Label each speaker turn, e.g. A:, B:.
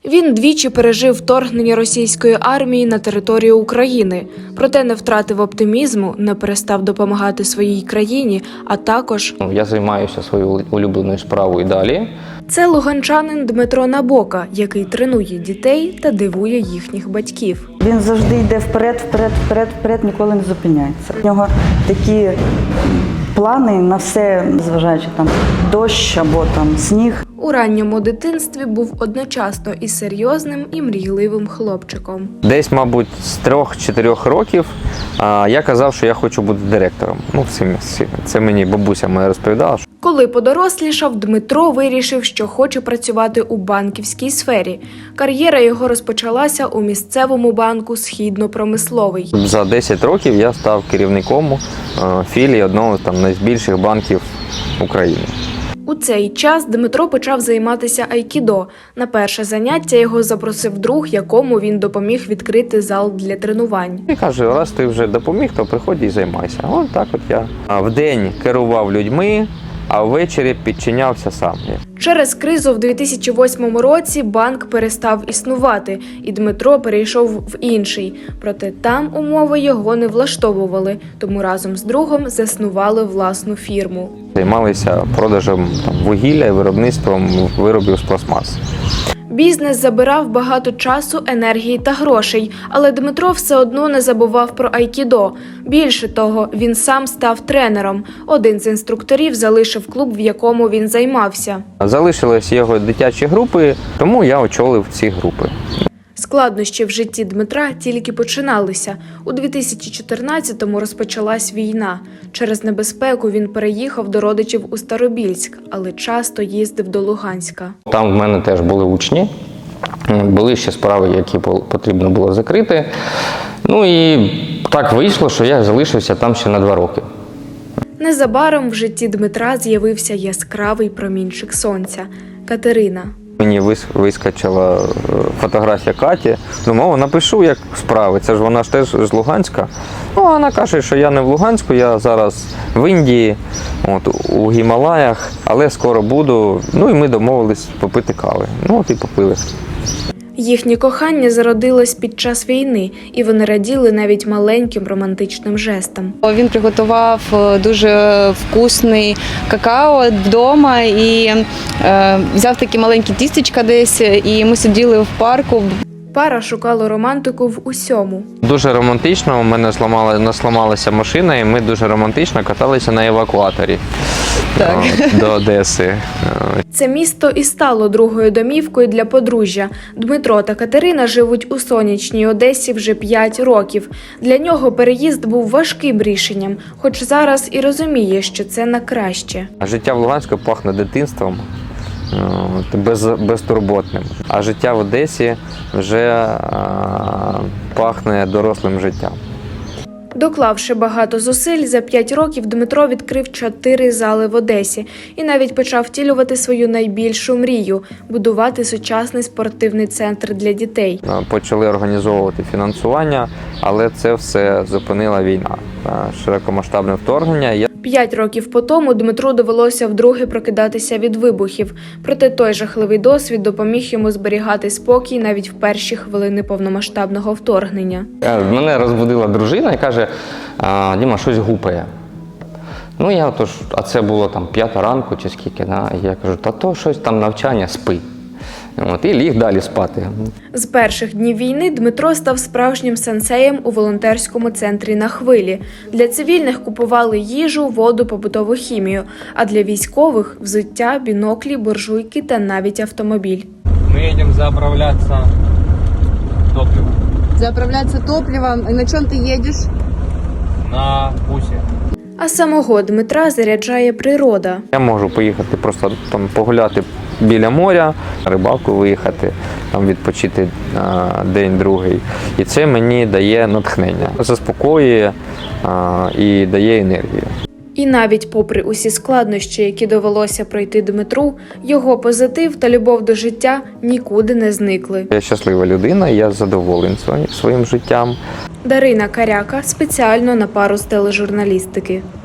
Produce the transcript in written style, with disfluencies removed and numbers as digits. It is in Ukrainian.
A: Він двічі пережив вторгнення російської армії на територію України, проте не втратив оптимізму, не перестав допомагати своїй країні, а також…
B: Я займаюся своєю улюбленою справою і далі.
A: Це луганчанин Дмитро Набока, який тренує дітей та дивує їхніх батьків.
C: Він завжди йде вперед, ніколи не зупиняється. У нього такі плани на все, зважаючи там дощ або там сніг.
A: У ранньому дитинстві був одночасно і серйозним, і мрійливим хлопчиком.
B: Десь, мабуть, з 3-4 років я казав, що я хочу бути директором. Це мені бабуся моя розповідала.
A: Коли подорослішав, Дмитро вирішив, що хоче працювати у банківській сфері. Кар'єра його розпочалася у місцевому банку «Східно-промисловий».
B: За 10 років я став керівником філії одного з найбільших банків України.
A: У цей час Дмитро почав займатися айкідо. На перше заняття його запросив друг, якому він допоміг відкрити зал для тренувань.
B: І каже, раз ти вже допоміг, то приходь і займайся. От так от я вдень керував людьми, а ввечері підчинявся сам.
A: Через кризу в 2008 році банк перестав існувати, і Дмитро перейшов в інший. Проте там умови його не влаштовували, тому разом з другом заснували власну фірму.
B: Займалися продажем вугілля і виробництвом виробів з пластмаси.
A: Бізнес забирав багато часу, енергії та грошей, але Дмитро все одно не забував про айкідо. Більше того, він сам став тренером. Один з інструкторів залишив клуб, в якому він займався.
B: Залишились його дитячі групи, тому я очолив ці групи.
A: Складнощі в житті Дмитра тільки починалися. У 2014-му розпочалась війна. Через небезпеку він переїхав до родичів у Старобільськ, але часто їздив до Луганська.
B: Там в мене теж були учні, були ще справи, які потрібно було закрити. Ну і так вийшло, що я залишився там ще на 2 роки.
A: Незабаром в житті Дмитра з'явився яскравий промінчик сонця – Катерина.
B: Мені вискочила фотографія Каті. Думаю, напишу, як справи. Це ж вона ж теж з Луганська. Ну, вона каже, що я не в Луганську, я зараз в Індії, у Гімалаях, але скоро буду. Ну і ми домовились попити кави. Ну от і попили.
A: Їхнє кохання зародилось під час війни, і вони раділи навіть маленьким романтичним жестам.
D: Він приготував дуже вкусний какао вдома і взяв такі маленькі тістечка десь, і ми сиділи в парку.
A: Пара шукала романтику в усьому.
B: Дуже романтично, у мене сламалася машина, і ми дуже романтично каталися на евакуаторі до Одеси.
A: Це місто і стало другою домівкою для подружжя. Дмитро та Катерина живуть у сонячній Одесі вже 5 років. Для нього переїзд був важким рішенням, хоч зараз і розуміє, що це на краще.
B: Життя в Луганську пахне дитинством, безтурботним. А життя в Одесі вже пахне дорослим життям.
A: Доклавши багато зусиль, за 5 років Дмитро відкрив 4 зали в Одесі і навіть почав втілювати свою найбільшу мрію – будувати сучасний спортивний центр для дітей.
B: Почали організовувати фінансування, але це все зупинила війна, широкомасштабне вторгнення.
A: 5 років по тому Дмитру довелося вдруге прокидатися від вибухів. Проте той жахливий досвід допоміг йому зберігати спокій навіть в перші хвилини повномасштабного вторгнення.
B: Мене розбудила дружина і каже, Діма, щось гупає. Ну я а це було там 5 ранку чи скільки, я кажу, та то щось там навчання, спи. І ліг далі спати.
A: З перших днів війни Дмитро став справжнім сенсеєм у волонтерському центрі «На хвилі». Для цивільних купували їжу, воду, побутову хімію, а для військових – взуття, біноклі, буржуйки та навіть автомобіль.
E: Ми їдемо заправлятися топливом.
D: Заправляться топливом. І на чому ти їдеш?
E: На бусі.
A: А самого Дмитра заряджає природа.
B: Я можу поїхати просто там погуляти біля моря, на рибалку виїхати, там відпочити день-другий. І це мені дає натхнення, заспокоює і дає енергію.
A: І навіть попри усі складнощі, які довелося пройти Дмитру, його позитив та любов до життя нікуди не зникли.
B: Я щаслива людина, я задоволений своїм життям.
A: Дарина Каряка спеціально на пару з тележурналістики.